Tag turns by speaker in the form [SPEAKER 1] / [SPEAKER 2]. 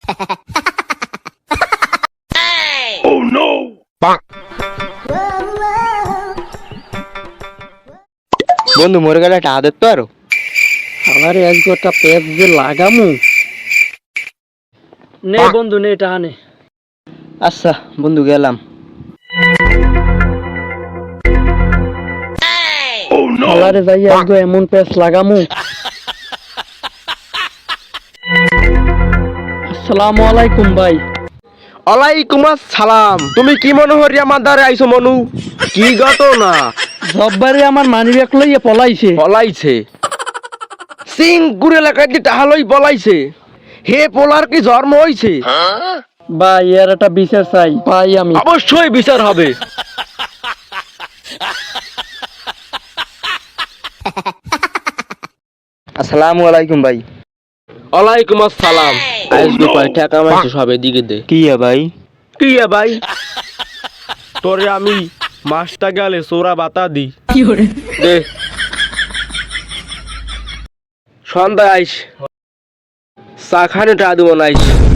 [SPEAKER 1] Oh no!
[SPEAKER 2] বন্ধু মরে গেলে একটা আদর তো আরো
[SPEAKER 3] আমারে আজকে একটা পেপ যে লাগামু নে বন্ধু নে এটা আনে
[SPEAKER 2] আচ্ছা বন্ধু গেলাম
[SPEAKER 1] Oh no!
[SPEAKER 3] আলারে যাই আজকে এমন পেপ লাগামু আসসালামু আলাইকুম ভাই
[SPEAKER 2] ওয়ালাইকুম আসসালাম তুমি কি মনে হরি আমার দ্বারে আইছো মনু কি ঘটনা
[SPEAKER 3] জব্বারে আমার মানিব্যাগ লইয়া পলাইছে
[SPEAKER 2] পলাইছে সিংপুর এলাকায় যে টাহালই পলাইছে হে পোলার কি জন্ম হইছে
[SPEAKER 3] ভাই এর একটা বিচার চাই ভাই আমি
[SPEAKER 2] অবশ্যই বিচার হবে আসসালামু আলাইকুম ভাই ওয়ালাইকুম আসসালাম আজকে কয় টাকা মাইছে সব এদিকে দে কি ভাই কি ভাই তোরে আমি মাসটা গেলে সোরা বাতা দি
[SPEAKER 3] কি করে
[SPEAKER 2] দে সন্ধ্যা আইস চা খানে টা দেবো নাইস